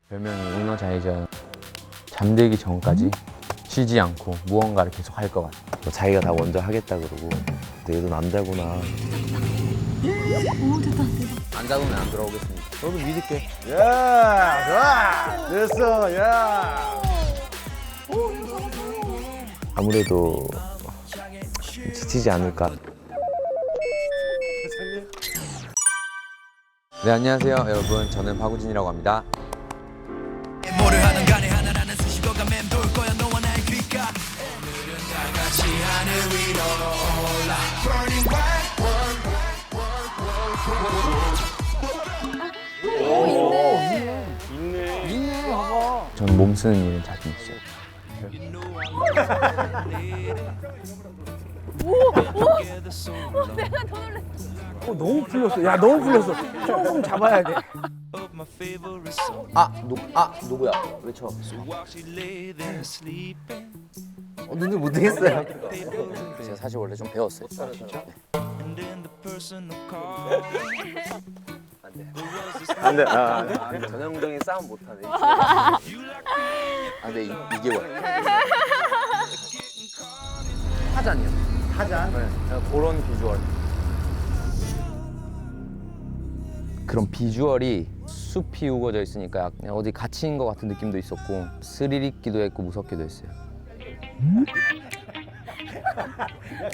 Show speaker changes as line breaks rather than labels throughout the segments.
별명이 은어자이자 잠들기 전까지 쉬지 않고 무언가를 계속 할 것 같아.
뭐 자기가 다 먼저 하겠다 그러고. 근데 얘도 남자구나.
오 됐다.
안 잡으면 안 들어오겠습니다.
너도 믿을게.
야, 좋아. 됐어, 야.
아무래도 지치지 않을까.
네, 안녕하세요 여러분. 저는 박우진이라고 합니다.
뭐를 하든 간에 하나라는 수식어가 맴돌 거야 너와 나의 귓가 오늘은 다 같이 하늘 위로 올라 Burning bright
저는 몸 쓰는 일은 자신 있어요.
내가 더 놀랐어.
너무 풀렸어. 야, 너무 풀렸어. 조금 잡아야 돼.
of my favorite song
누구야? 외쳐.
So while she lay there sleeping
눈을 못 뜨겠어요.
제가 사실 원래 좀 배웠어요.
And in the personal call
안 돼.
전형적인 싸움 못하네.
아, 근데 이게 뭐야? 타잔이요.
타잔.
네, 그런 비주얼. 그런 비주얼이 숲이 우거져 있으니까 그냥 어디 갇힌 것 같은 느낌도 있었고 스릴 있기도 했고 무섭기도 했어요.
야,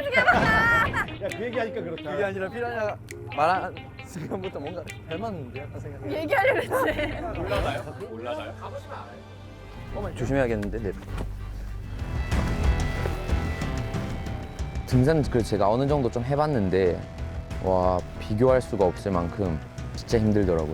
그 얘기하니까 그렇다.
그게 아니라 피라냐가 말한 순간부터 뭔가 닮았는데 약간 생각이.
얘기하려고 했지.
조심해야겠는데. 네.
등산 그 제가 어느 정도 좀 해봤는데 와 비교할 수가 없을 만큼 진짜 힘들더라고요.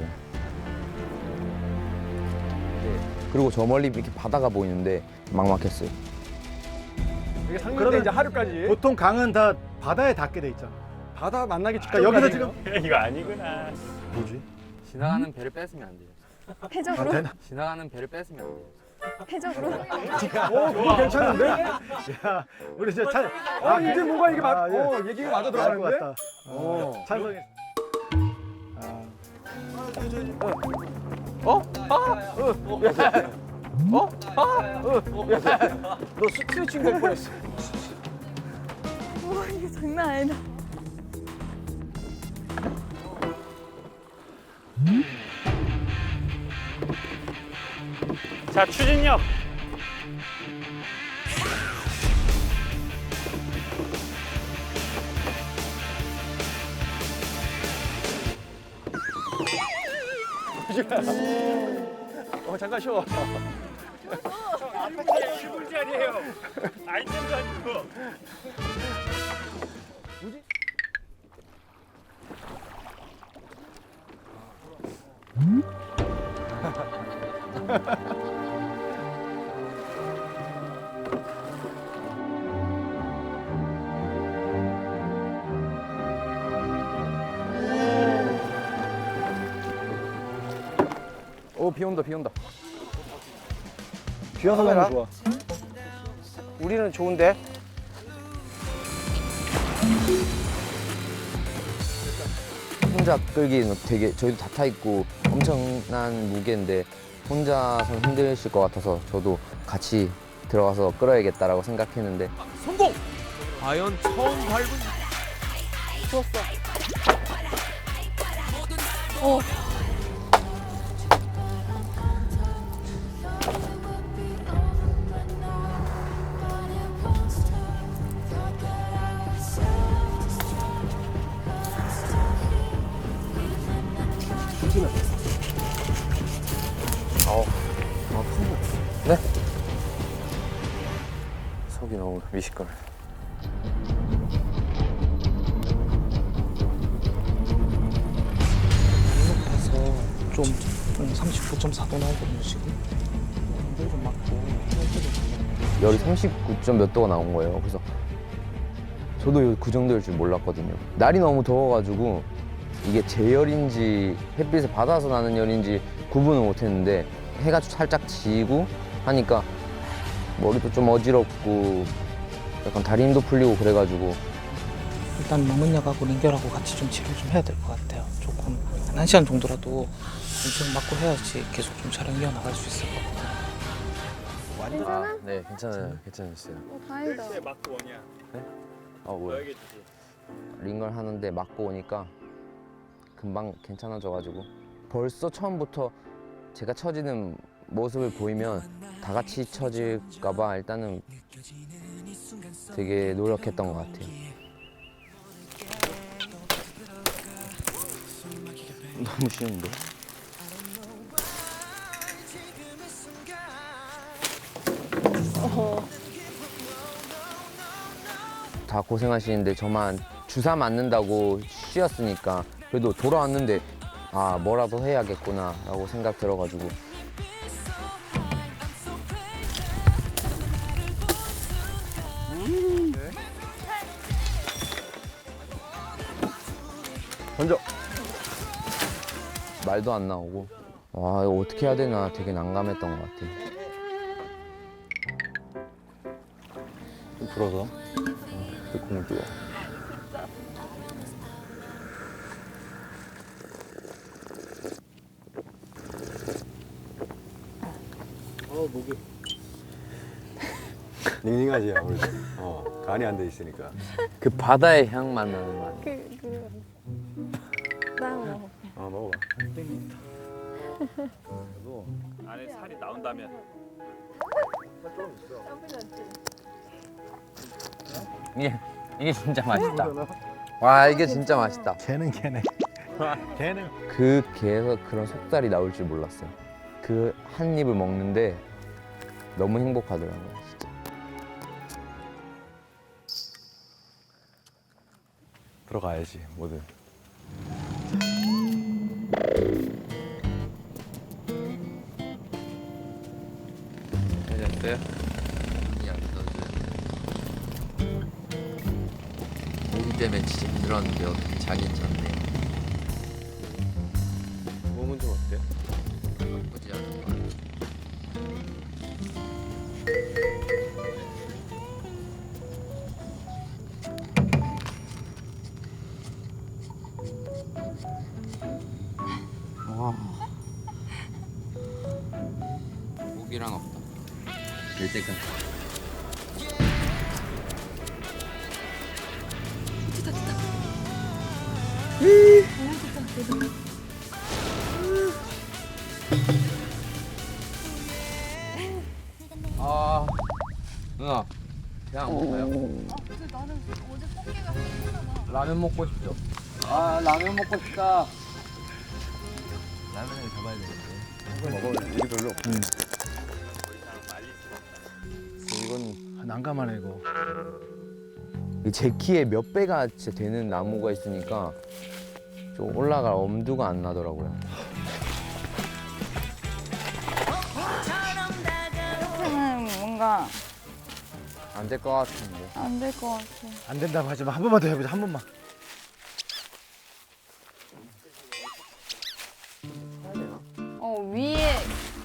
네. 그리고 저 멀리 이렇게 바다가 보이는데 막막했어요.
이게 상륙대 이제 하루까지. 보통 강은 다 바다에 닿게 돼 있잖아. 바다 만나기 직전. 여기서 지금
이거 아니구나.
뭐지?
지나가는 배를 뺏으면 안 돼요.
해적으로.
지나가는 배를 뺏으면 안 돼요.
해적으로.
그거 괜찮은데? 야, 우리 이제 찬. 이제 뭔가 이게 얘기가 맞아 들어가는 것 같다. 찬성했어. 너 스트레칭 될 뻔했어.
와 이게 장난 아니다.
자, 추진력.
잠깐 쉬어.
죽을 자리에요. 아이템도 아니고.
비 온다 비 온다.
비 와서 너무 좋아.
우리는 좋은데.
혼자 끌기는 되게 저희도 다 타 있고 엄청난 무게인데 혼자서 힘드실 것 같아서 저도 같이 들어가서 끌어야겠다라고 생각했는데
성공! 과연 처음 밟은
네? 속이 너무 미식거려.
높아서 좀 39.4도 나오거든요 지금. 온도 좀 맞고.
열이 39점 몇 도가 나온 거예요. 그래서 저도 그 정도일 줄 몰랐거든요. 날이 너무 더워가지고 이게 제열인지 햇빛을 받아서 나는 열인지 구분을 못했는데 해가 살짝 지고 하니까 머리도 좀 어지럽고 약간 다리 힘도 풀리고 그래가지고
일단 남은 약하고 링겔하고 같이 좀 치료 좀 해야 될 것 같아요. 조금 한 1시간 정도라도 좀 맞고 해야지 계속 좀 촬영 이어나갈 수 있을 것 같아요.
괜찮아?
네, 괜찮아요. 괜찮았어요.
다행이다.
왜 맞고 오냐?
뭐야?
너에게 주지.
링걸 하는데 맞고 오니까 금방 괜찮아져가지고 벌써 처음부터 제가 처지는 모습을 보이면 다 같이 처질까봐 일단은 되게 노력했던 것 같아요. 너무 쉬운데? 다 고생하시는데 저만 주사 맞는다고 쉬었으니까 그래도 돌아왔는데 아 뭐라도 해야겠구나 라고 생각 들어가지고
던져.
말도 안 나오고 와 이거 어떻게 해야 되나 되게 난감했던 것 같아요. 좀 불어서 공을 띄워.
닝닝하지 아무래도. 간이 안 돼 있으니까.
그 바다의 향만 나는 맛.
나 먹어.
먹어봐.
안에 살이 나온다면
이게 진짜 맛있다. 와 이게 진짜 맛있다.
걔는 걔네. 걔는
그 게에서 그런 속살이 나올 줄 몰랐어요. 그 한 입을 먹는데 너무 행복하더라고요. 진짜.
들어가야지 뭐든.
잘했어요? 그냥 모기 때문에 진짜 힘들었는데 어떻게 자긴 잤네. 몸은 좀 어때? 나쁘지 않은 것 같아. 모기랑 없다. 될 때까지. 아 누나 그냥 먹어요.
나는 어제 꽃게가 생각나.
라면 먹고 싶죠. 아 라면 먹고 싶다. 라면을 잡아야 되는데.
먹을 일이 별로 없고.
이건
난감하네 이거.
제 키에 몇 배가 진짜 되는 나무가 있으니까 좀 올라갈 엄두가 안 나더라고요.
이렇게는 뭔가
안 될 것 같은데.
안 될 것 같아.
안 된다고 하지만 한 번만 더 해보자. 한 번만.
위에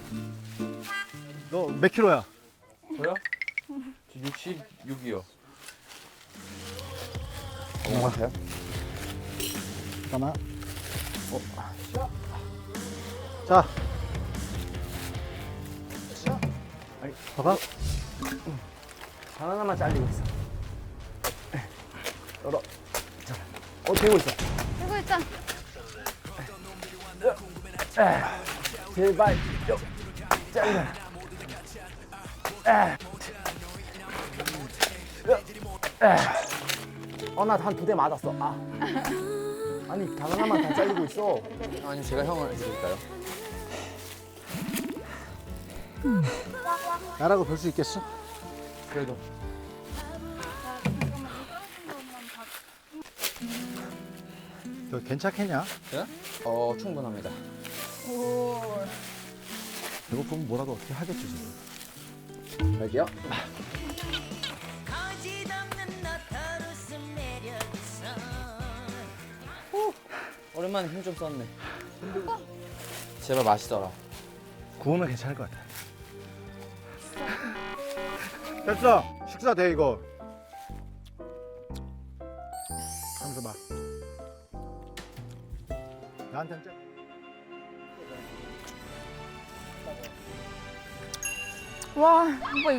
너 몇 킬로야?
저요? 66이요.
어, 같아요? 잠깐만. 자. 아니, 봐봐.
바나나만 잘리고 있어. 열어. 자, 되고 있어.
되고 있다.
제발 좀 잘려. 나 한 2대 맞았어. 아니 바나나만 다 잘리고 있어.
아니 제가 형을 해드릴까요?
나라고 볼 수 있겠어?
그래도
너 괜찮겠냐?
충분합니다.
오.
이거 보면 뭐라도 어떻게 하겠지 지금.
여기요? 오랜만에 힘 좀 썼네. 제발 맛있어라.
구우면 괜찮을 것 같아. 됐어. 식사 돼 이거. 하면서 봐. 나한테는 짜.
와, 오빠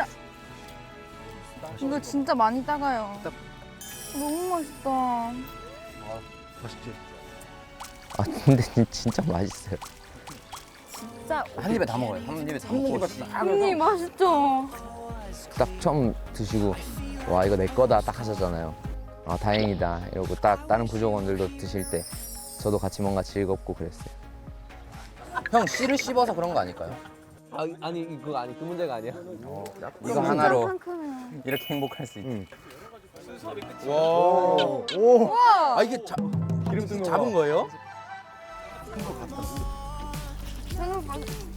이거 진짜 많이 따가요. 너무 맛있다.
맛있지?
아 근데 진짜 맛있어요.
진짜
한 입에 다 먹어요. 한 입에 다 먹고.
언니 맛있죠?
딱 처음 드시고 와 이거 내 거다 딱 하셨잖아요. 아 다행이다 이러고 딱 다른 구조원들도 드실 때 저도 같이 뭔가 즐겁고 그랬어요.
형 씨를 씹어서 그런 거 아닐까요?
아니 그거 아니 그 문제가 아니야.
이거 하나로
상큼해요.
이렇게 행복할 수 있지.
오.
아 이게
기름 뜬 거.
잡은 거예요?
생각보다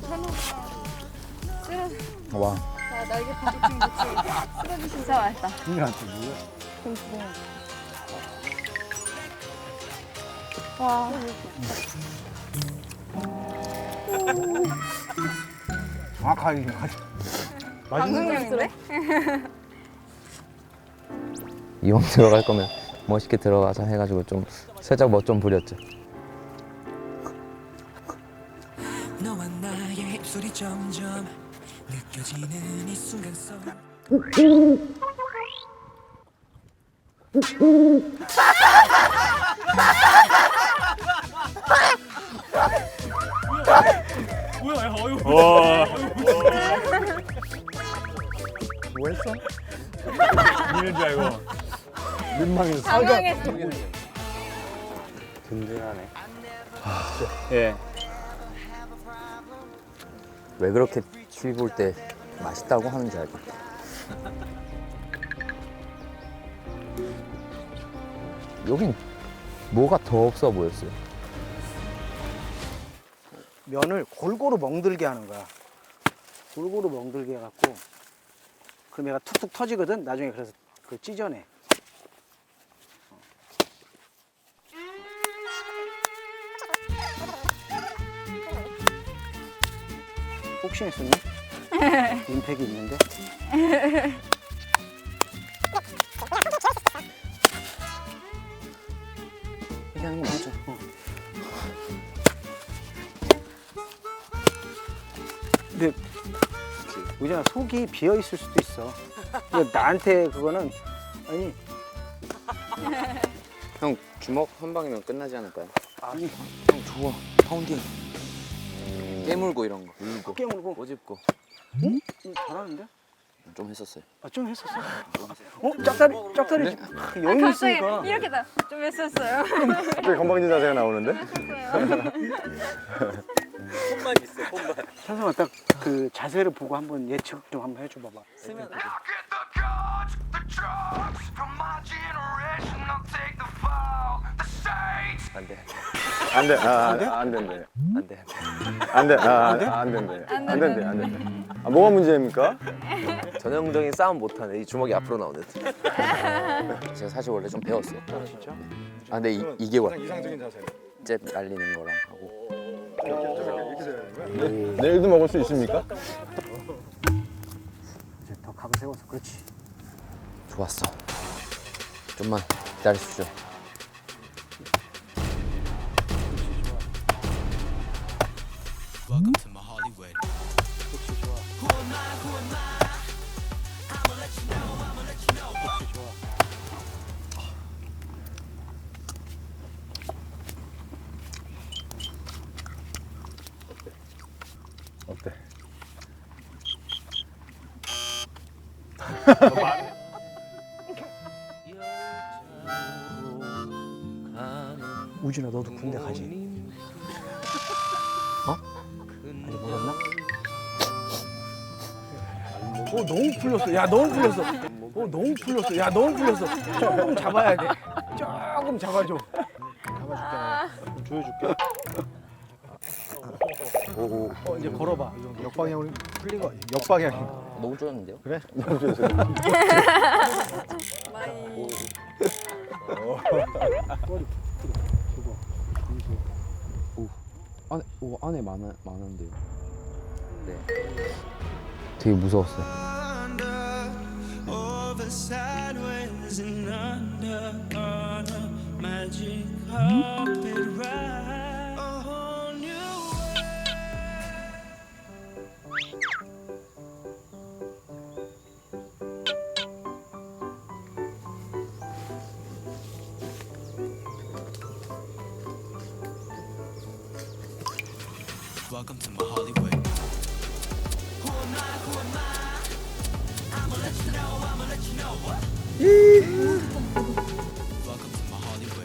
쓰러져.
와
자, 날개 부딪힌 거지. 쓰러지 진짜 맛있다.
이한테 뭐야?
와.
정확하게.
방송용인데?
이왕 들어갈 거면 멋있게 들어가자 해가지고 좀 살짝 멋 좀 부렸죠.
너와 나의 입술이 점점 느껴지는 이 순간 속
뭐 했어?
이는 줄 알고.
민망해서.
당황했어.
든든하네.
예.
왜 그렇게 TV 볼 때 맛있다고 하는지 알겠다.
여긴 뭐가 더 없어 보였어요.
면을 골고루 멍들게 하는 거야. 골고루 멍들게 해갖고 그럼 얘가 툭툭 터지거든. 나중에 그래서 그걸 찢어내. 복싱했었니? 임팩이 있는데. 이게 하는 거 맞죠? 근데 의전아 속이 비어 있을 수도 있어. 근데 나한테 그거는 아니
형 주먹 한 방이면 끝나지 않을까요?
아니
형 좋아. 파운딩. 깨물고 이런 거. 물고.
깨물고.
꼬집고.
응? 잘하는데?
좀 했었어요.
아, 좀 했었어? 짝다리 여유 있으니까.
이렇게 좀 했었어요.
갑자기 건방진 자세가 나오는데?
손만 있어 손만.
찬성아 딱 그 자세를 보고 한번 예측 좀 한번 해줘 봐봐.
I'll get the guns, the drugs from my generation. I'll take the fall, the states.
안 돼. 안 돼. 안 된대.
안 돼.
안 돼. 안 된대. 안 된대. 안 된대. 아, 뭐가 문제입니까?
전형적인 싸움 못하네. 이 주먹이 앞으로 나오네.
제가 사실 원래 좀 배웠어.
아 진짜?
아 근데 이게 와.
이상적인 자세.
잽 날리는 거랑 하고.
내일도 먹을 수 있습니까?
이제 더 각을 세워서 그렇지.
좋았어. 좀만 기다리십시오.
Welcome to my Hollywood.
그렇지 좋아. 그렇지 좋아.
어때?
우진아 너도 군대 가지? 어? 아니 몰랐나? 너무 풀렸어. 야 너무 풀렸어. 너무 풀렸어. 야 너무 풀렸어. 조금 잡아야 돼. 조금 잡아줘. 잡아줄게. 조여줄게. 이제 걸어봐.
역방향으로 풀린 거 아니야? 역방향.
너무 쪼였는데요?
그래?
안에 많은데요. 네. 되게 무서웠어요.
Over sideways and under on a magic carpet ride. Welcome to my Hollywood. Welcome to my Hollywood.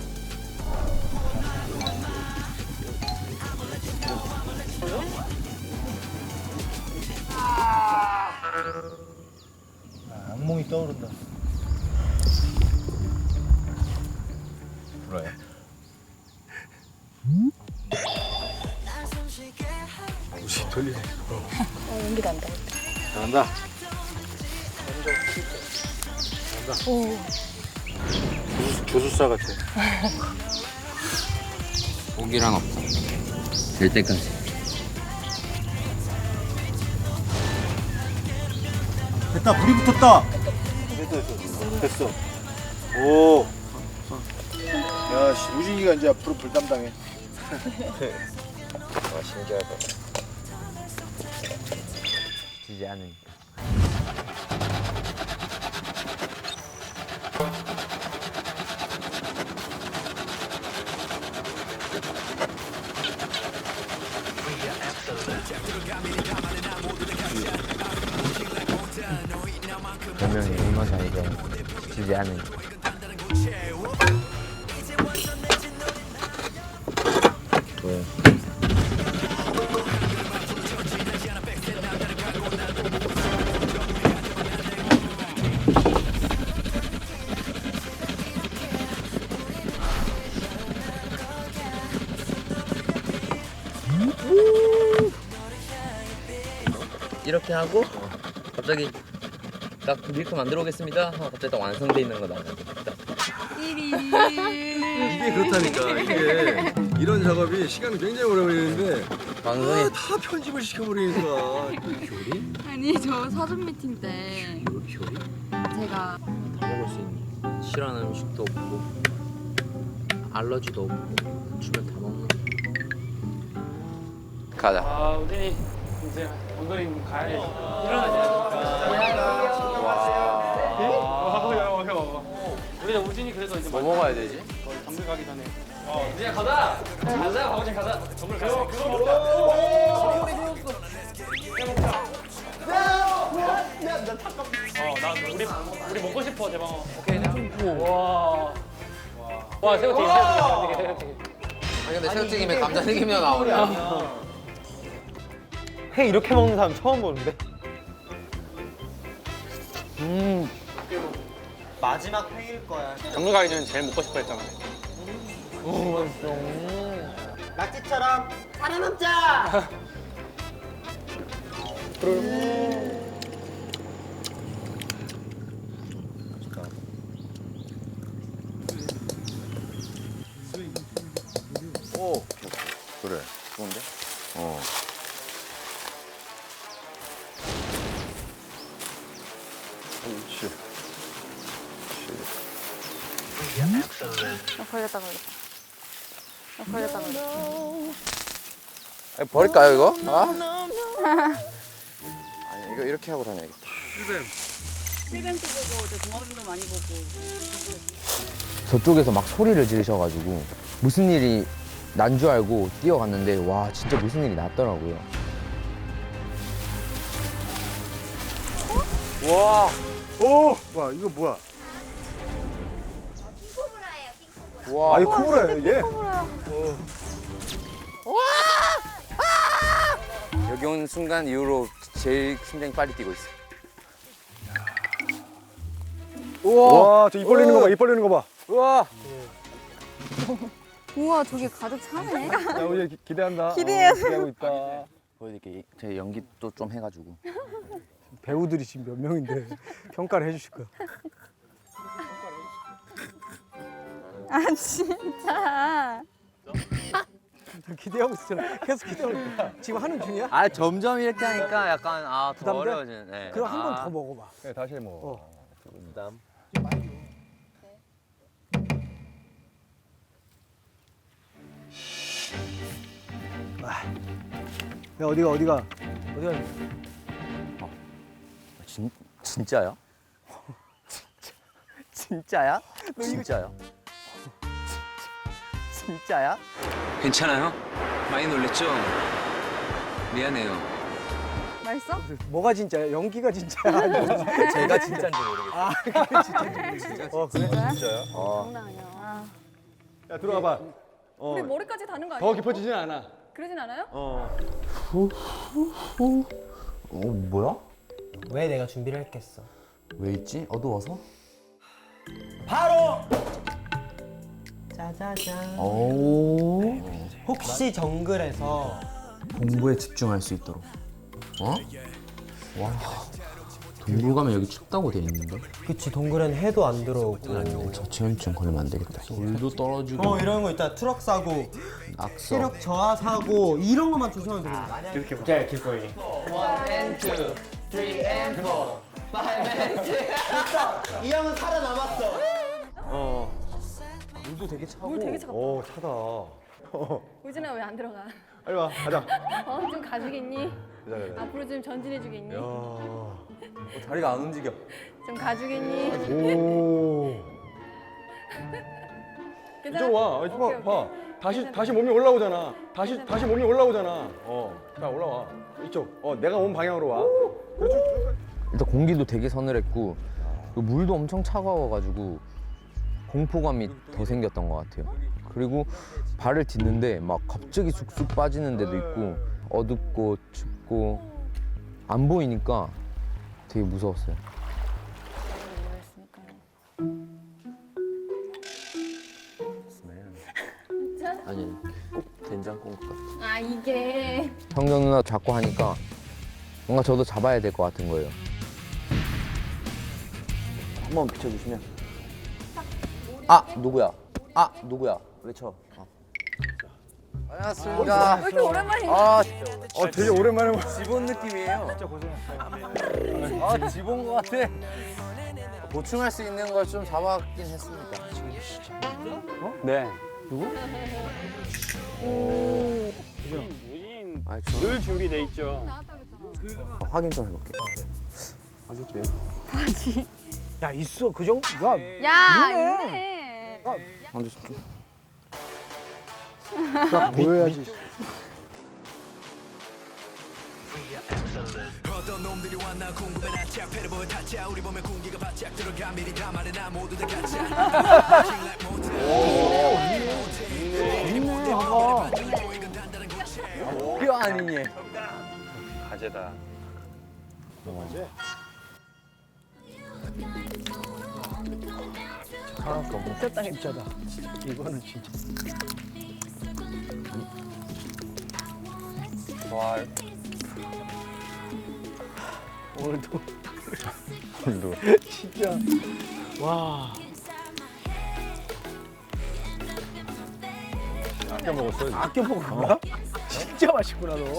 악몽이 떠오른다.
불어요?
무시 돌리네.
연기 난다.
잘한다. 조수사 같아.
포기란 없다. 될 때까지.
됐다, 불이 붙었다. 됐어. 오. 야, 씨, 우진이가 이제 앞으로 불 담당해.
와, 신기하다. 지지 않으니. 분명히 얼마 전이죠. 지지 않으니. 왜?
이렇게 하고 갑자기 딱 밀크 만들어 오겠습니다 하고 갑자기 딱 완성돼 있는 거다.
이게 그렇다니까. 이게 이런 작업이 시간이 굉장히 오래 걸리는데
방송에
다 편집을 시켜버리니까. 효리?
아니 저 사전 미팅 때
효리?
제가
다 먹을 수 있니? 싫어하는 음식도 없고 알러지도 없고 주면 다 먹는. 가자.
아 우진이 이제 원거리 가야지. 우리가 우진이 그래서 이제
뭐 먹어야 되지?
정글 가기 전에. 우진아 가자. 가자. 박우진 가자. 정글 가자. 그거 먹자. 나 우리 먹고 싶어 대방어. 오케이. 와. 와 새우튀김.
아니 근데 새우튀김에 감자튀김이 나오냐?
회 이렇게 먹는 사람 처음 보는데.
마지막 회일 거야.
정글 가기 전에 제일 먹고 싶어 했잖아.
낙지처럼 살아남자.
오. 그래. 좋은데? 어.
그렇지.
걸렸다.
아니, 버릴까요 이거? 아? 아니 이거 이렇게 하고 다녀야겠다.
필벤트 보고 저 동화들도 많이 보고.
저쪽에서 막 소리를 지르셔가지고 무슨 일이 난 줄 알고 뛰어갔는데 와 진짜 무슨 일이 났더라고요.
와. 오. 와, 이거 뭐야?
와.
아, 이거 코브라야, 이게?
여기 온 순간 이후로 제일 심장이 빨리 뛰고 있어.
우와, 저 입 벌리는 거 봐, 입 벌리는 거 봐.
우와.
우와 저게 가득 차네.
야, 우리 기대한다.
기대해요.
기대하고 있다.
보여드릴게. 제 연기도 좀 해가지고.
배우들이 지금 몇 명인데 평가를 해주실 거야.
아 진짜.
기대하고 있잖아. 계속 기대하고 있다. 지금 하는 중이야?
아 점점 이렇게 하니까 약간 더
부담돼?
어려워지는. 네.
그럼 한 번 더 먹어봐.
네, 다시 먹어.
부담.
야, 어디가?
진짜야? 진짜야? 진짜야? 진짜야?
괜찮아요? 많이 놀랬죠?
미안해요.
맛있어?
뭐가 진짜야? 연기가 진짜야? 아니면
제가 진짜인지 모르겠어요.
아, 그게 진짜지.
어 그래?
진짜야?
어.
장난 아니야. 아,
야 들어와 봐.
우리 머리까지 다는 거 아니야?
더 깊어지진 않아.
그러진 않아요?
뭐야?
왜 내가 준비를 했겠어?
왜 있지? 어두워서?
바로 짜자잔.
오.
혹시 정글에서
공부에 집중할 수 있도록. 어? 와. 동굴 가면 여기 춥다고 돼 있는데?
그치 동굴엔 해도 안 들어오고
저체온증 걸리면 안 되겠다. 물도 떨어지고.
이런 거 있다 트럭 사고
낙서.
체력 저하 사고 이런 것만 조심하면 됩니다. 이렇게 자 길거리. 이 형은 살아남았어.
물도 되게 차고.
물 되게 차갑다.
오 차다.
우진아 왜 안 들어가?
빨리 와 가자.
좀 가주겠니?
가자.
앞으로 좀 전진해주겠니?
다리가 안 움직여.
좀 가주겠니?
오.
괜찮아?
이쪽 와.
오케이,
이쪽 봐.
오케이.
봐. 다시 몸이 올라오잖아. 다시 몸이 올라오잖아. 자 올라와. 이쪽. 내가 온 방향으로 와.
일단 공기도 되게 서늘했고 그 물도 엄청 차가워가지고 공포감이 더 생겼던 것 같아요. 그리고 발을 딛는데 막 갑자기 쑥쑥 빠지는 데도 있고 어둡고 춥고 안 보이니까 되게 무서웠어요. 아니 꼭 된장국 같아.
아 이게
성경 누나 자꾸 하니까 뭔가 저도 잡아야 될 것 같은 거예요.
한번 비춰주시면. 아 누구야? 아 누구야? 외쳐. 안녕하십니까.
왜 이렇게 오랜만이야?
아
되게 오랜만에 와.
지본 느낌이에요. 진짜 고생했어요. 아 지본 것 같아. 보충할 수 있는 걸 좀 잡았긴 했습니다.
네.
아,
늘 준비돼 있죠.
확인 좀 해볼게.
야 있어 그 정도.
야 있네.
먼저 좀.
보여야지.
어떤 놈들이 왔나 궁금해 나 착패를 보여 타짜 우리 몸에 공기가 바짝 들어가 미리 다 말해 나 모두 다 가짜
뼈 아니니?
가재다.
진짜다. 이거는 진짜.
좋아요.
오늘도
오늘도.
진짜. 와.
아껴 먹었어.
아껴 먹은 거야? 진짜 맛있구나 너.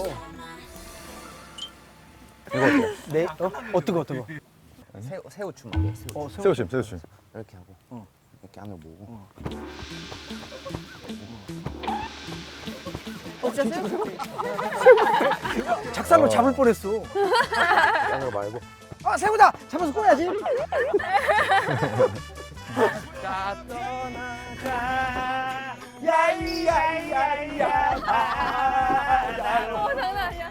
이거 어때요?
네? 어떤 거?
새우춤 하게.
새우찜.
이렇게 하고 이렇게 안을 모으고.
진짜
작살로 잡을 뻔했어.
안으로 말고.
아 새우다. 잡아서 꺼야지.
자 떠나자.
야이야이야이야.
장난 아니야.